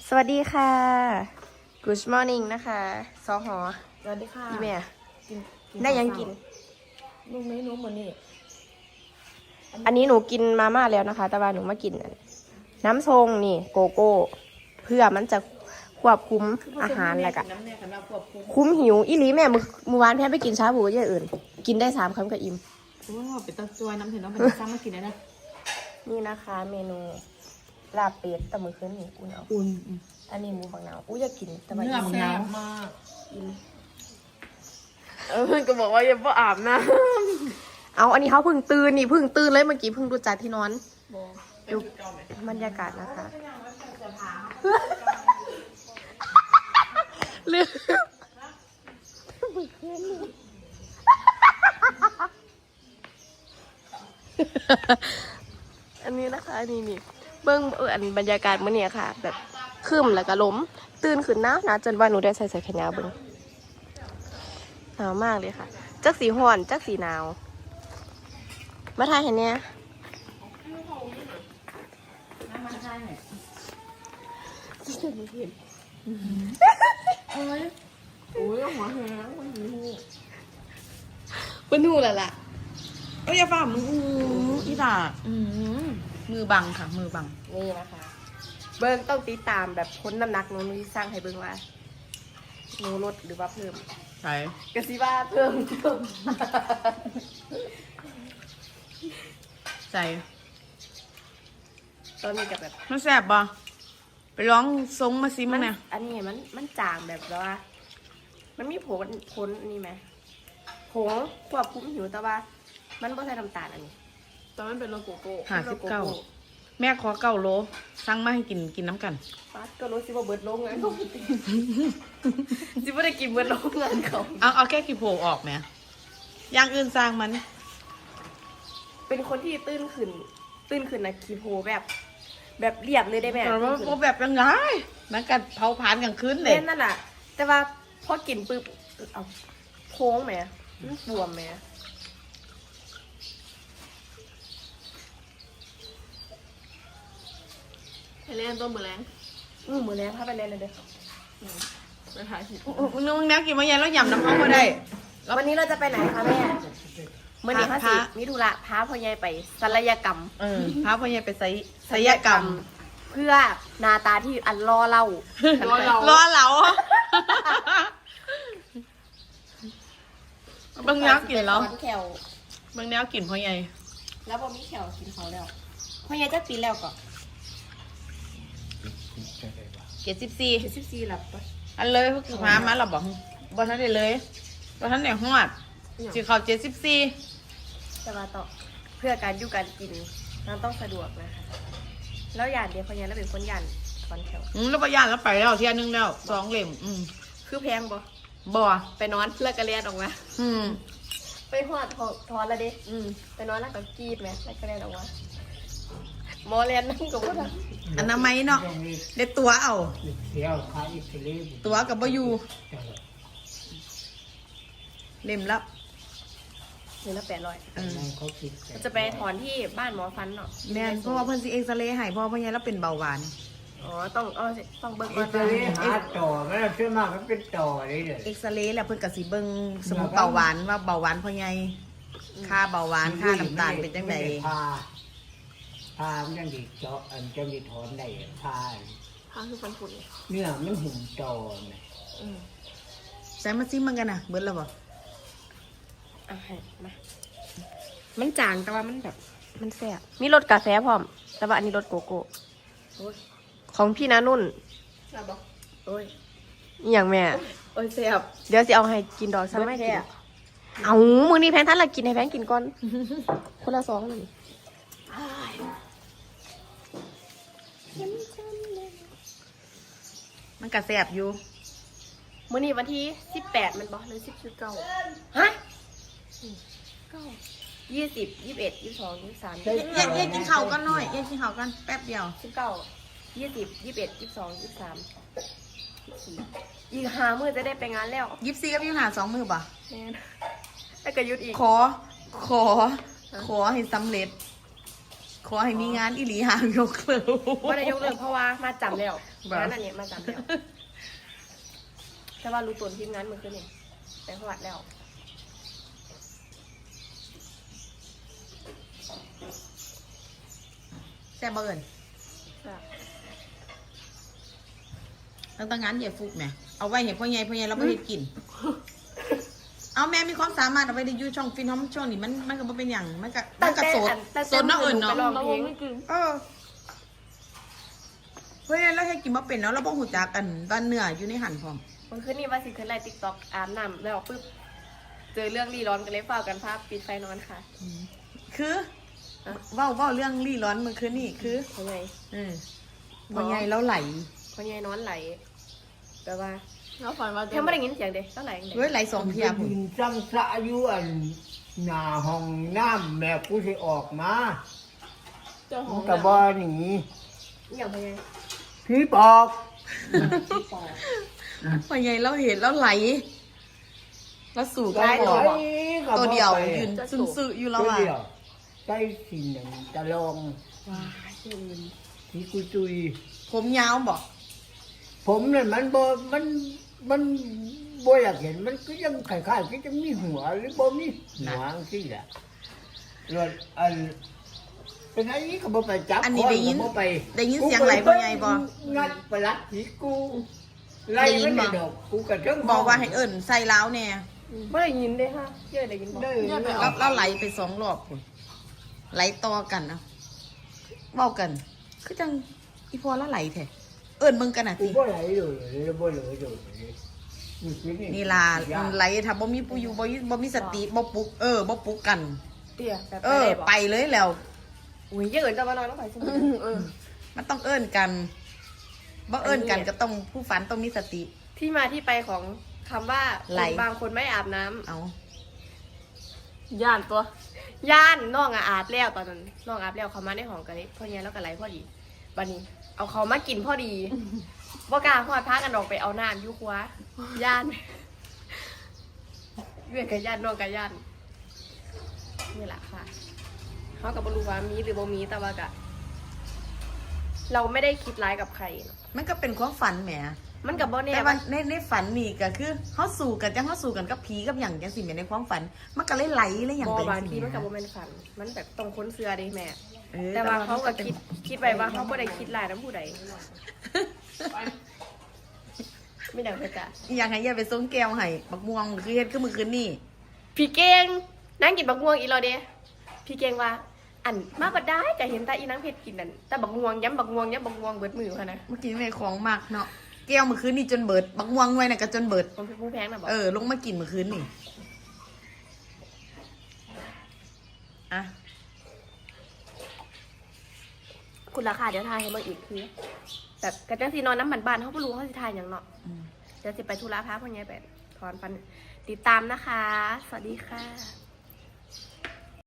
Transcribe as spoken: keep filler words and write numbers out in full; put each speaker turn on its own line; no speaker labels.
สวัสดีค่ะ Good morning นะคะซอหอ
สวัสดีค่ะ
พี่แม่
กิน
ได้ยังกิน
ลูกเมนูเหมือนนี่
อันนี้หนูกินมาม่าแล้วนะคะ แต่ว่าหนูมากินน้ำทรงนี่โกโก้ เพื่อมันจะควบคุมอาหารอะไรกันคุ้มหิวอีหลีแม่มือมือวานแพ้ไปกินชาบูอย่างอื่น กินได้สามคำกับอิ่ม
โอ้เป็นตะจวยน้ำเถื่อนน้องเป็นซ้ำมากินได้นะ
นี่นะคะเมนูลาบเป็ดแต่มือคืนนี่อุ่นเอา
อุ่น
อันนี้หมูฝังหนาวอุ้ยอยากกินแต่ว่า
เนื้อ
อิ่ม
แซ่บมาก
อิ่ม
เออเพื่อนก็บอกว่าอย่าเพิ่งอาบน้
เอาอันนี้เขาเพิ่งตื่นนี่เพิ่งตื่นเลยเมื่อกี้เพิ่งดูจากที่นอน
ำ
ดูบรรยากาศนะคะเรื่องอันนี้นะคะนี่นี่เบิ้งเอออันบรรยากาศเมื่อนี้ค่ะ แบบครึ้มแล้วก็ล้มตื่นขึ้นนะนะจนว่าหนูได้ใส่เสื้อแขนยาวเบิ้งหนาวมากเลยค่ะจักสีห่อนจักสีหนาวมาทายเห็นเนี้ย
มาใช่ไหม
โอ้ย
โอ้ยหัวแห้งมันหิว
เป็นหูแล้วล่ะ
เอ้ยอย่าฝ่ามืออู้อีด่าอืมมือบังค่ะ มือบัง
นี่นะคะ เบิ้งต้องติดตามแบบค้นน้ำหนักหนูหนูที่สร้างให้เบิ้งว่าหนูลดหรือว่าเพิ่ม
ใช่
กะสิว่าเพิ่มเพิ่ม
ใส่
ตอนนี้กับแบบ
มันแซ่บป่ะไปร้องทรงมาซิมั้งเนี่ย
อันนี้มันมันจางแบบว่า มันมีผลผลนี่ไหมผงควบคุมหิวแต่ว่า มันไม่ใช่น้ำตาลอันนี้
ตอนนั้นเป็นโลโก้โก้
ห้าสิบเก้า
แม่ขอเก้าโลสั่งมาให้กินกินน้ำกัน
ป้าก็รู้สิว่าเบิร์ดลงเงินเขาสิว่าได้กินเบิร์ดลงเงินเขา
เอาเอาแค่กี่โผล่ออกไหมอย่างอื่นสร้างมัน
เป็นคนที่ตื้นขึ้น ตื้นขึ้นนะคีโพแบบ แบบเรียบเลยได้ไหม
แต่ว่าพวกแบบยังไงมันกัดเผาผลาญกลางคืนเลย
เล่นนั่นแหละแต่ว่าพอกินปุ๊บเอาโค้งไหมมันบวมไหม
ไปเล่นต้นมือแรง
อือมือแรงพาไปเล่นเลยเด้อ
ไปถ่ายคลิปมึงนึกมึงนักกินมาเย็นแล้วหยำน้ำเข้ามาได้
วันนี้เราจะไปไหนคะแม่เมื่อนี้พระ
พระ
สิมิถุระพาพ่อใหญ่ไปศัลยกรรม
เออพาพ่อใหญ่ไปไสศัลยกรรม
เพื่อหนาตาที่อันล่อเล่าร
อเรารอเราบางนักกินแล้ว
แขว
บางแนวกินพ่อใหญ่
แล้วพอมีแขวกินเขาแล้วพ่อใหญ่จะปีแล้วก็
เจ็ดสิบสี่
เจ็ดสิบสี่หลับปะ
อันเลยพวกพามาเราบอกบอท่านได้เลยบอท่านได้ฮอดสิเขาเจ็ดสิบสี่
แต่ว่าต่อเพื่อการอยู่การกินเราต้องสะดวกนะคะแล้วหยาดเดียวพ่อใหญ่แล้วเป็นคนหยาดคอนแขว
อืมแล้วปยานแล้วไปแล้วเที่ยนึงแล้วสองเหล่มอืม
คือแพงบ่
บ่
ไปนอนแล้วก็เลียนออกมา
อืม
ไปหอดถอดถอนแล้วเด้อืมไปนอนแล้วก็กรีดไหมแล้วก็เลียนออกมาหมอเลียนนั่งกับว่า
อันนั้นไหมเนาะเด็ดตัวเอา
เที่ยวขายอิตาลี
ตัวกับบ่อยู่เล่มละ
หนึ่งละแปดร้อย
เออ
เขาคิด
จะไปถอนที่บ้านหมอฟันเนาะ
แม่นเพราะว่าเพิ่นสิเอ็กซเรย์ให้เพราะว่าพ่อใหญ่แล้วเป็นเบาหวาน
อ๋อต้องเอาสิต้องเบิ่งก่
อิ
อน
ตาลีหาต่อไม่ได้ชื่อมากมันเป็นต่อเลยเลย
เอ็กซเรย์แล้วเพิ่นก็สิเบิ่งสมมุติเบาหวานว่าเบาหวานพ่อใหญ่ค่าเบาหวานค่าน้ำตาลเป็นจังได
พาพามันจังดีเจาะอันจังดีถอนได้พา
พาคือฟันผุน
เนื้อมันหุ่มต่อเนี่ย
อืม
ใส่มาซิมันกันน่ะเบิดแล้วบ่
อ่ะให้มามันจางแต่ว่ามันแบบ มันแซ่บมีรสกาแฟพร้อม แต่ว่าอันนี้รสโกโก้ของพี่นานุ่น
ใช่บ่
โอ้ยอหย่างแม่
โอ้ยแซ่บ
เดี๋ยวสิเอาให้กินดอกซันไม่กินเอามือนี้แพงท่านละกินให้แพงกินก่อน คนละสองเลย
มันก็แซ่บอยู่
มือนี้วันที่สิบแปดมันบอกหรือสิบเก้าฮะเก้ายี่สิบยี่สิบเอ็ดยี่สิบสองยี่สิบสาม
เย็นเย็นกินข้าวกันหน่อยเย็นกินข้าวกันแป๊บเดียว
สิบเก้ายี่สิบยี่สิบเอ็ดยี่สิบสองยี่สิบสามยี่สิบสี่อีกห้ามื้อจะได้ไปงานแล้ว
ยิบซีกับยิบหาสองมือป่ะ
แม่นแล้วก็หยุดอีก
ขอ ขอ ขอให้สำเร็จ ขขอให้มีงานอีหลีหางยกเลิก
ว่าได้ยกเลิกเพราะว่ามาจำแล้ว
แบบ
งานอันนี้มาจำแล้วแต่ว่ารู้ตัวทีมงานมือขึ้นนี่ไปหวัดแล้ว
แซ่บบ่เอิญแล้วตั้งงานใหญ่ฟุกแหม่เอาไว้เห็นพ่อใหญ่พ่อใหญ่เราไม่เห็นกิน เอาแม่มีความสามารถเอาไว้ในยูช่องฟินฮอมช่วงนี้มันมันก็บ่เป็นอย่างมันก็มันก็โสดโสดเนาะเอิญเนาะ
ลองเพลง
เออเฮ้ยเราให้กินมาเป็นแล้วเราบ่หูจักกันบ้านเนื้ออยู่ในหันพร้อม
มันขึ้นนี่ว่าสิขึ้นไลน์ติ๊กต็อกอาบน้ำแล้วปึ๊บเจอเรื่องรีร้อนกันเลยเฝ้ากันภาพปิดไฟนอนค่ะ
คือเว้าเว้าเรื่องรีร้อนเมื่อคืนนี่คือ
เพราะไง
เออพ่อใหญ่แล้วไหล
เพราะไงนอนไหลแต่ว่า
แล้วฝันว่า
แค่ไม่ได้ยินเสียงเด็กก็ไหลเด็ก
เฮ้ยไหลสองเทียบ
กินจังสะอยู่อันหน้าห้องน้ำแม่กูสิออกมา
เจ้าข
มั
อน ง
ก็บ่หนี
อย่างเพราะไง
พี่ปอก
พ่อใหญ่เราเห็นแล้วไหลแล้วสู่กัน
ไห
ต่อ
ลก็
ตัว
บ่
เดียว
ไป
ยืนซึ้งๆอยู่แล้ว
ตัว
อ่ะ
เดียวใส่สีหนึ่งตะลอง
ว้าชื่ออื่น
สีกุยตุย
ผมยาวบอก
ผมนั่นมันบ่มันมันบ่อยากเห็นมันก็ยังคล้ายๆก็จะมีหัวหรือบ่มีหัวจังซี่แหละแล้วอันเป็นไอ้นี่ก็บ่ไปจับ
อันนี้ได้ยิน
ก็บ่ไป
ได้ยินเสียงไหลพ่อใหญ่บอก
งัดประหลัดสีกูไล่มันได้ดอกกูก็เทิง
บอกว่าให้เอิ่นใส่ล้าวแน่
ไม่ได้ยินเด้ค่ะเยอะได้ยินบอก
ได้
แล้วแล้วไหลไปสองรอบพุ่นไหลต่อกันเนาะเว้ากัน คือจังอีพอแล้วไหลแท้เอิ่นมึงกันน่ะ
กู
สิ
บ่ไหลเลยเลยบ่เลยเลยนี่คือ
นี่ล่ะไหลถ้าบ่มีผู้อยู่บ่มีบ่มีสติบ่ปลุกเออบ่ปลุกกัน
เตี้ยแบบ
เออ
ไป
ไปเลยแล้ว
อุ้ยเยอะเกินจะมานอนต้องไปใช่ไหมเออ
มันต้องเอิ้นกันบ่เอิ้นกันก็ต้องผู้ฝันต้องมีสติ
ที่มาที่ไปของคำว่า
ไหล
คนบางคนไม่อาบน้ำ
เอา
ย่านตัว
ย่านน้องอะอาบแล้วตอนนั้นน้องอาบแล้วเขามาในห้องกันเลยพ่อเนี้ยแล้วก็ไหลพอดีบันนี้ เอาเขามากินพอดีบ่กล้าพอดพากันออกไปเอาน้ำอยุคว้าย่านเวียนกับย่านน้องกับย่านนี่แหละค่ะเขากับบรู้ว่ามีหรือบ่มีแต่ว่ากะ เราไม่ได้คิดร้ายกับใครเนอะ
มันก็เป็นความฝันแหม
มันกับบ่แน่
แต่ว่าในในฝันนี่ก็คือเฮาสู่กันจังเฮาสู่กันกับผีกับหยังจังซี่แหมในความฝัน มันก็เลยไหลเลยหยัง
บ่
เป็น
บาง
สิ
ทีมัน
แห
กับบ่เป็นฝัน มันแบบตรงค้นเสือเด้แม่
เออ
แต่ว่าเขาก็
ป็น
คิดคิดไว้ว่าเขาบ่ได้คิดร้ายน้ำผู้ใดไม่ดังไปจ้ะ
อีหยังให้อย่าไปส่งแก้วให้บักม่วงคือเฮ็ดคือมื้อคืนนี่
พี่เก่งนั่งกินบักม่วงอีรอเด้พี่เก่งว่า อันมาบ่ได้ก็เห็นตาอีนางเพชรกินนั่นแต่บักม่วงย้ำบักม่วงย้ำบักม่วงเบิดมือค่ะนะ
เมื่อกี้แม่ของมากเนาะแก้วมื้อคืนนี่จนเบิดบักม่วงไว้น่ะก็จนเบิด
ผมเป็นผู้แพงนะบอก
เออลงมากินมื้อคืนนี่อ่ะ
คุณราคาเดี๋ยวทายให้เบิ่งอีกคือแบบกระจังสีนอนน้ำมันบานเขาบ่รู้เขาสิทายหยังเนาะ
อืม
เดี๋ยวสิไปธุระพาพ่อใหญ่ไปถอนฟันติดตามนะคะ สวัสดีค่ะ